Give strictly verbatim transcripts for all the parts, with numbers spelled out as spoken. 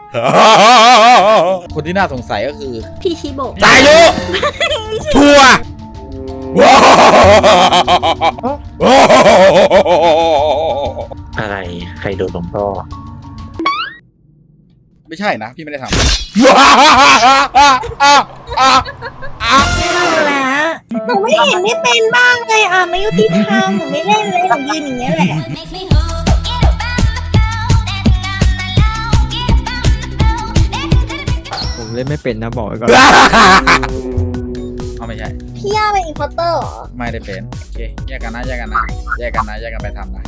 คนที่น่าสงสัยก็คือพี่ชิโบะสายุชัวร์อะไรใครโดนหลวงพ่อไม่ใช่นะพี่ไม่ได้ทำไม่เล่าแล้วหนูไม่เห็นไม่เป็นบ้างเลยอ่ะไม่ยุติธรรมหนูไม่เล่นเลยหนูยืนอย่างเงี้ยแหละผมเล่นไม่เป็นนะบอกไว้ก่อนเอาไม่ใช่พี่ย่าเป็นอินพอร์เตอร์เหรอไม่ได้เป็นโอเคแยกกันนะแยกกันนะแยกกันนะแยกกันไปทำนะ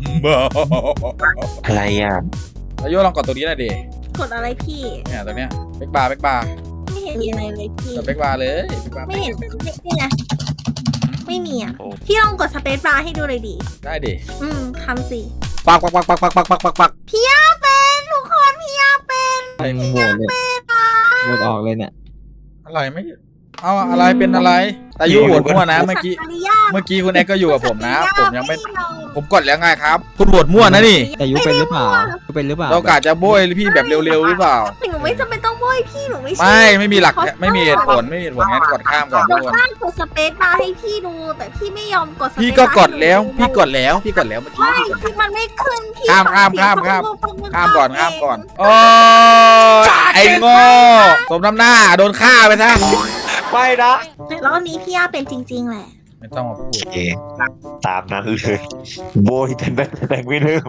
อะไรอ่ะแล้วโยลองกดตัวนี้หน่อยดิกดอะไรพี่เนี่ยตัวเนี้ยเบกบาร์เบกบาร์ไม่เห็นมีอะไรเลยพี่กดเบกบาร์เลยเบกบาร์ไม่เห็นนี่ไงไม่มีอ่ะพี่ลองกดสเปซบาร์ให้ดูเลยดิได้ดิอืมทำสิปักปักปักปักปักปักปักปักปักพี่ย่าเป็นทุกคนพี่ย่าเป็นโหวตเลยโหวตออกเลยเนี่ยอะไรไม่เอาอะไรเป็นอะไรแต่ยูโหวตมั่วนะเมื่อกี้สัตว์ริยาเมื่อกี้คุณแอ็กก็อยู่กับผมนะ ผมยังไม่ผมกดแล้วไงครับ คุณโหวตมั่วนะนี่แต่ยุเป็นหรือเปล่ายุเป็นหรือเปล่าเรากะจะโบยพี่แบบเร็วๆหรือเปล่าหนูไม่จำเป็นต้องโบยพี่หนูไม่ใช่ไม่ไม่มีหลักไม่มีเหตุผลไม่มีเหตุผลงั้นกดข้ามก่อนหทุนูกคนข้ามกดสเปซบาร์ให้พี่ดูแต่พี่ไม่ยอมกดสเปซบาร์พี่ก็กดแล้วพี่กดแล้วพี่กดแล้วเมื่อกี้ไม่ที่มันไม่ขึ้นพี่ข้ามข้ามข้ามข้าม ข้ามก่อนข้ามก่อนโอ้ยไอ้โง่สมน้ำหน้าโดนฆ่าไปซะไม่นะแต่รอบนี้พี่ย่าเป็นจริงๆแหละไม่ต้องมาพูดโอเคตามนั้นเลยโบยแต่แบงแบงไม่ลืม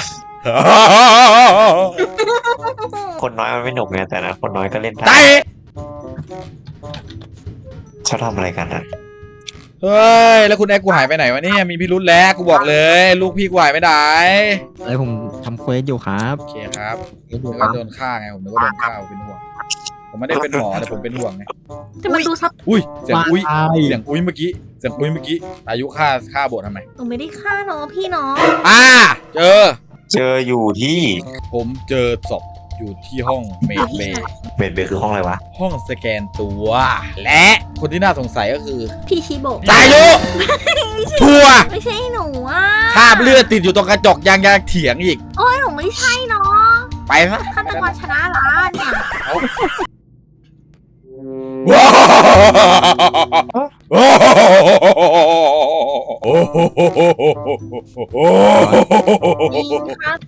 คนน้อยมันไม่หนุกไงแต่นะคนน้อยก็เล่นได้ตายชอบทำอะไรกันอ่ะเฮ้ยแล้วคุณแอ็กกูหายไปไหนวะเนี่ยมีพิรุธแล้วกูบอกเลย ลูกพี่กูหายไปไหนอะไรผมทำเควสอยู่ครับโอเคครับเควสอยู่นึกครัว่าบโดนฆ่าไงผมนึกว่าโดนฆ่าผมเป็นห่วงผมไม่ได้เป็นหมอแต่ผมเป็นห่วงไงจะมาดูซับอุ้ยเสียงอุ้ยตายเสียงอุ้ยเมื่อกี้เสียงอุ้ยเมื่อกี้อายุฆ่าฆ่าโบททำไมหนูไม่ได้ฆ่าน้องพี่น้องอ่าเจอเจออยู่ที่ผมเจอศพอยู่ที่ห้องเมดเบย์เบดเบย์คือห้องอะไรวะห้องสแกนตัว และคนที่น่าสงสัยก็คือพี่ชิโบะสายุชัวร์ไม่ใช่หนูอ่ะคราบเลือดติดอยู่ตรงกระจกยังยังเถียงอีกโอ้ยหนูไม่ใช่น้องไปซะฆาตกรชนะร้านเนี่ยว้าวยิงครับ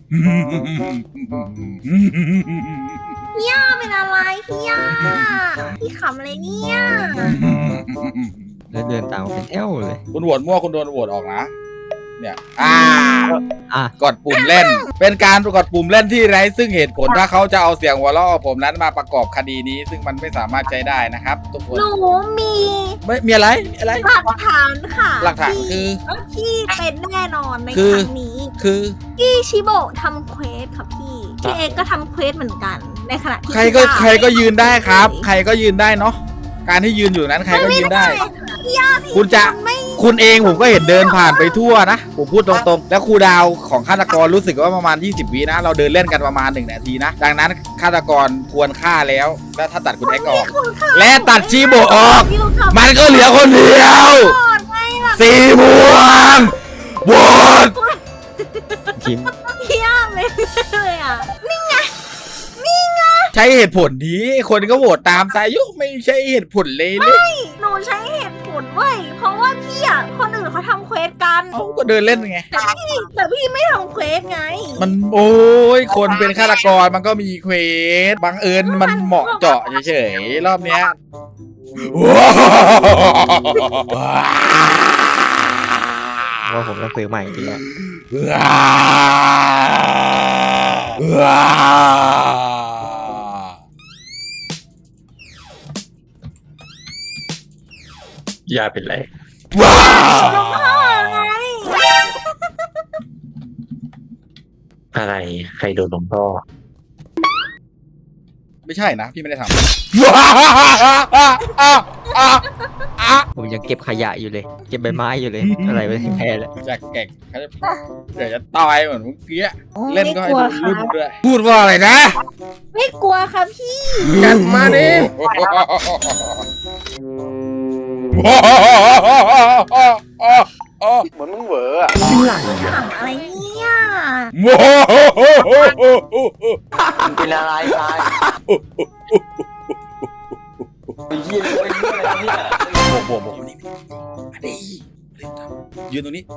พี่ย่าเป็นอะไรพี่ย่าพี่ขำอะไรเนี่ยแล้วเดินตามมาเป็นแถวเลยคุณโหวตมั่วคุณโดนโหวตออกนะ เนี่ย อ่าอ่ะกดปุ่มเล่น เป็นการกดปุ่มเล่นที่ไร้ซึ่งเหตุผลถ้าเขาจะเอาเสียงหัวเราะผมนั้นมาประกอบคดีนี้ ซึ่งมันไม่สามารถใช้ได้นะครับทุกคนหนูมีไม่มีอะไรมีอะไรหลักฐานค่ะหลักฐานคือพี่เป็นแน่นอนในคือครั้งนี้คือพี่ชิโบะทำเควสค่ะพี่พี่เอกก็ทำเควสเหมือนกัน ในขณะที่ใครก็ใครก็ยืนได้ครับ ใครก็ยืนได้เนาะการที่ยืนอยู่นั้นใครก็ยืนได้พี่ย่าพี่คุณจะไม่คุณเองผมก็เห็นเดินผ่านไปทั่วนะผมพูดตรงๆ แล้วครูดาวของฆาตกรรู้สึกว่าประมาณยี่สิบวินะ เราเดินเล่นกันประมาณหนึ่งนาทีนะ ดังนั้นฆาตกรควรฆ่าแล้ว แล้วถ้าตัดคุณแอ็กออก และตัดชีโบออกอยู่กับมันก็เหลือคนเดียวก่อนไงล่ะสีม่วงโหวตทีมพี่ย่าไม่เลยอ่ะใช้เหตุผลดีคนก็โหวตตามสายุไม่ใช่เหตุผลเลยเลยหนูใช้เหตุผลเว้ยเพราะว่าพี่อ่ะคนอื่นเขาทำเควสกันเขาก็เดินเล่นไงแต่พี่แต่พี่ไม่ทำเควสไงมันโอ้ยคนเป็นฆาตกรมันก็มีเควสบังเอิญมันเหมาะเจาะเฉยๆรอบเนี้ยว้าวว่าผมต้องซื้อใหม่จริงๆอะว้าวยาเป็นไรว้าวหลวงพ่อไงอะไรใครโดนหลวงพ่อไม่ใช่นะพี่ไม่ได้ทำผมยังเก็บขยะอยู่เลย เก็บใบไม้อยู่เลย อะไรไว้ที่แพ้แล้วจากแก่งเขาจะเดี๋ยวจะตายเหมือนเมื่อกี้โอ้เล่นก็ให้ไม่ดูกลัวรุ่นครับด้วยพูดว่าอะไรนะไม่กลัวครับพี่กันมาดิเหมือนมึงเหวออะขำอะไรเนี่ยอ่ะโอ้โหมันเป็นอะไรตายไอ้เหี้ยเป็นเหี้ยอะไรเนี่ยบวกบวกบวกมานี่มาดิยืนตรงนี้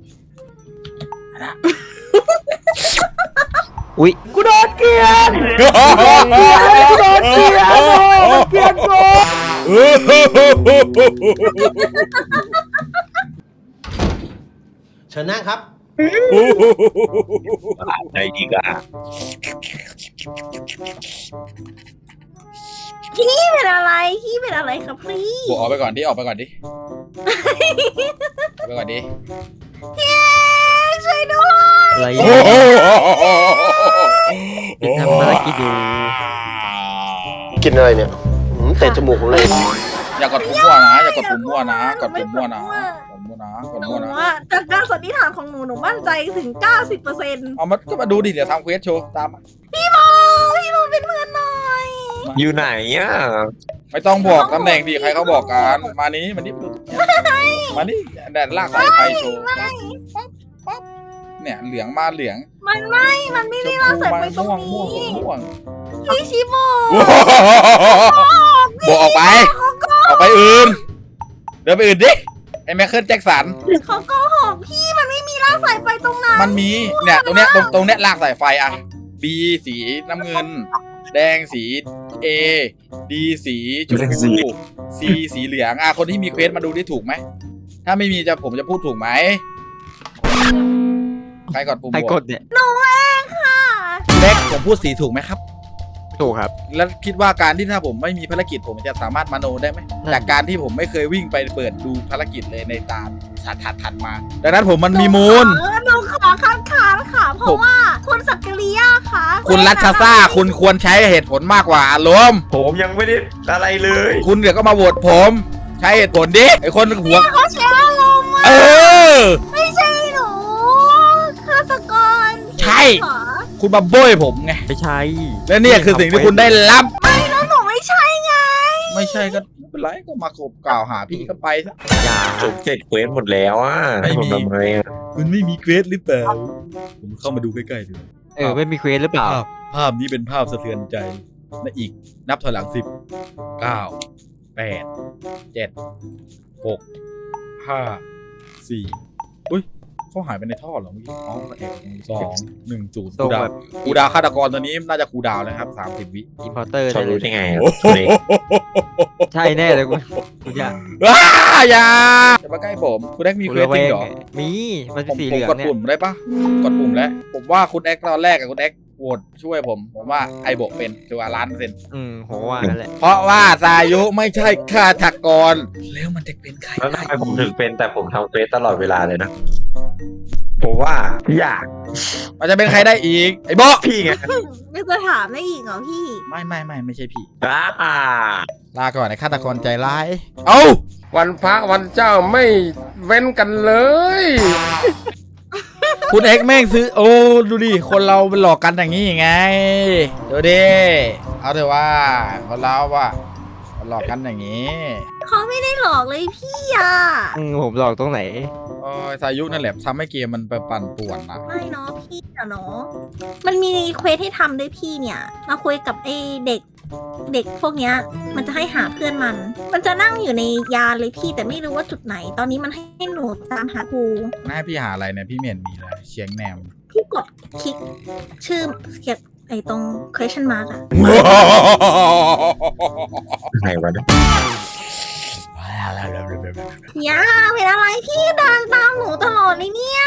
อุ้ยกูโดนเกลียนกูโดนเกลียนเกลียนกูเชิญนั่งครับใจดีกว่าพี่เป็นอะไรพี่เป็นอะไรครับพี่บวกออกไปก่อนดิออกไปก่อนดิออกไปก่อนดิพี่ช่วยด้วยอะไรโอ้ติดทำภารกิจอยู่กินอะไรเนี่ยหืมเตะจมูกผมเลยอย่ากดปุ่มมั่วนะอย่ากดปุ่มมั่วนะกดปุ่มมั่วนะกดมั่วนะกดหนูมั่วนะว่าจากการสันนิษฐานของหนูหนูมั่นใจถึง เก้าสิบเปอร์เซ็นต์เอามาก็มาดูดิเดี๋ยวทำเควสโชว์ตามมาพี่โมพี่โมเป็นเพื่อนหน่อยอยู่ไหนอ่ะไม่ต้องบอกตำแหน่งดิใครเขาบอกกันมานี้มานี่มานี่แดดลากสายไฟโชว์ปั๊บปั๊บเนี่ยเหลืองมาเหลืองมันไม่มันไม่ได้เราใส่ไปตรงม่วงนี้ม่วงม่วงพี่ชิโมบวกออกไปออกไปอื่นเดินไปอื่นดิไอ้แมคเคิลแจ็คสันเขาโกหกพี่มันไม่มีลากสายไฟตรงนั้นมันมีเนี่ยตรงเนี้ยตรงตรงเนี้ยลากสายไฟอะ B สีน้ำเงิน แดงสี A D สีชมพู C สีเหลืองอ่ะคนที่มีเควสมาดูได้ถูกไหมถ้าไม่มีจะผมจะพูดถูกไหมใครกดปุ่มใครบวกกดเนี่ยหนูเองค่ะเล็กผมพูดสีถูกไหมครับถูกครับแล้วคิดว่าการที่ถ้าผมไม่มีภารกิจผมจะสามารถมโนได้ไหมนั่นจากการที่ผมไม่เคยวิ่งไปเปิดดูภารกิจเลยในตามถัดถัดถัดมา ดังนั้นผมมันมีมูลเออหนูขอคัดค้านค่ะ เพราะว่าคุณสักกริยาค่ะคุณรัชซ่าคุณควรใช้เหตุผลมากกว่าอารมณ์ผมยังไม่ได้อะไรเลยคุณเดี๋ยวก็มาโหวตผม ใช้เหตุผลดิไอคนหัวเขาใช้อารมณ์อะเออไม่ใช่หนูฆาตกรใช่เหรอคุณมาโบ้ยผมไงไม่ใช่และเนี่ยคือสิ่งที่คุณได้รับไม่แล้วหนูไม่ใช่ไงไม่ใช่ก็ไม่เป็นไรก็มาขบกล่าวหาพี่ก็ไปซะอย่าจบเสร็จเควสหมดแล้วอ่ะไม่มีทำไมอ่ะคุณไม่มีเควสหรือเปล่าผมเข้ามาดูใกล้ๆดูเออไม่มีเควสหรือเปล่าภาพภาพนี้เป็นภาพสะเทือนใจและอีกนับถอยหลังสิบเก้าแปดเจ็ดหกห้าสี่อุ้ยเขาหายไปในท่อเหรอเมื่อกี้อ๋อเอ็ดสองหนึ่งศูนย์ตรงคูดาวแบบคูดาวฆาตกรตัวนี้น่าจะคูดาวแล้วครับสามสิบวิอินพอร์เตอร์เขาได้เลรู้ยได้ไงอ่ะใช่แน่เลยคุณคุณอย่าว้าอย่าจะมาใกล้ผมคุณแอ็กมีเควสจริงเหรอมี มันผเป็นมสีผเหมลืองกดเนี่ยปุ่มได้ปะกดปุ่มแล้ว ผมว่าคุณแอ็กตอนแรกกับคุณแอ็กโหวตช่วยผม ผมว่าไอโบกเป็นชัวร์ล้านเปอร์เซ็นต์อืมโหว่านั่นแหละเพราะว่าสายุไม่ใช่ฆาตกร แล้วมันจะเป็นใครแล้วได้ทำไมผมถึงเป็นแต่ผมทำเควสตลอดเวลาเลยนะผมว่าอยากมันจะเป็นใครได้อีก ไอโบะพี่ไงไม่จะถามได้อีกเหรอพี่ไม่ไม่ไม่ไม่ใช่พี่อ่าลาก่อนไอฆาตกรใจร้าย เอ้าวันพระวันเจ้าไม่เว้นกันเลยคุณเอ็กแม่งซื้อ โอ้ดูดิ คนเราเป็นหลอกกันอย่างนี้ไงดูดิ เอาเถอะว่าคนเราว่าหลอกกันอย่างนี้เขาไม่ได้หลอกเลยพี่อ่ะอืมผมหลอกตรงไหนโอ้ยสายุนั่นแหละทำให้เกมมันไปปั่นป่วนนะไม่เนาะพี่อะเนาะมันมีเควสให้ทำด้วยพี่เนี่ย มาคุยกับไอ้เด็ก เด็กพวกเนี้ย มันจะให้หาเพื่อนมัน มันจะนั่งอยู่ในยานเลยพี่แต่ไม่รู้ว่าจุดไหน ตอนนี้มันให้หนูตามหาครูน่าให้พี่หาอะไรเนี่ยพี่เมียนมีเลยเชียงแนมพี่กดคลิกชื่อเขียนไอ้ตรง question mark อะไหนวะเนี่ยอย่าเป็นอะไรพี่เดินตามหนูตลอดเลยเนี่ย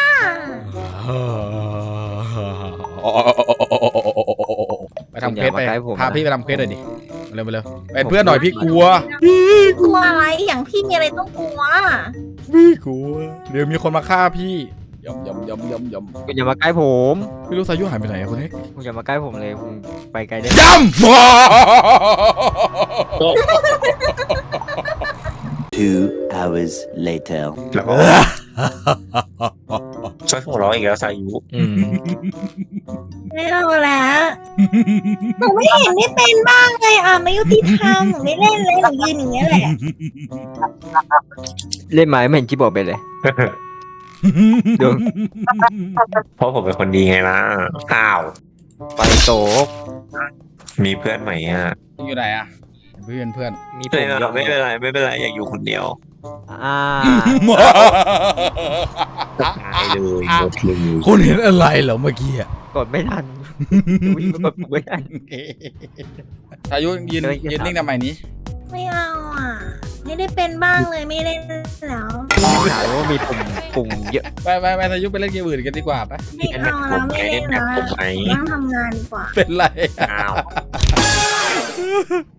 ไปทำเควสไปอย่ามาใกล้ผมนะพาพี่ไปทำเควสหน่อยดิมาเร็วมาเร็วเป็นเพื่อนหน่อยพี่กลัวกลัวอะไรอย่างพี่มีอะไรต้องกลัวพี่กลัวเดี๋ยวมีคนมาฆ่าพี่ยำยำยำยำยำคุณอย่ามาใกล้ผมพี่รู้สายุหายไปไหนอะคนนี้คุณอย่ามาใกล้ผมเลยคุณไปไกลได้ยำ Two hours later. แล้วก็ช่วยหัวเราะอีกแล้วสายุอืมไม่เอาแล้วหนูไม่เห็นได้เป็นบ้างเลยอ่ะไม่ยุติธรรมหนูไม่เล่นเลยหนูยืนอย่างเงี้ยแหละเล่นไม้ไม่เห็นที่บอกไปเลยดวงเพราะผมเป็นคนดีไงล่ะอ้าวไปโตกมีเพื่อนใหม่อ่ะอยู่ไหนอะเพื่อนเพื่อนมีผไม่มเป็นไรไม่เป็นไรไม่เป็นไรอยากอยู่คนเดียวอ่าตายเลยหมดเลยคุณเห็นอะไรเหรอเมื่อกี้อะกดไม่ทันวิ่งกดไม่ทันพายุยืนเดินเก็บยืนนิ่งทำไมนี้ไม่เอาอ่ะ ไม่ได้เป็นบ้างเลยไม่เล่นแล้วถามว่ามีปุ่มปุ่มเยอะไปไปไปพายุไปเล่นเกมอื่นกันดีกว่าปะไม่เอาแล้วไม่เล่นแล้วผมไหมนั่งทำงานดีกว่าเป็นไรอะอ้าว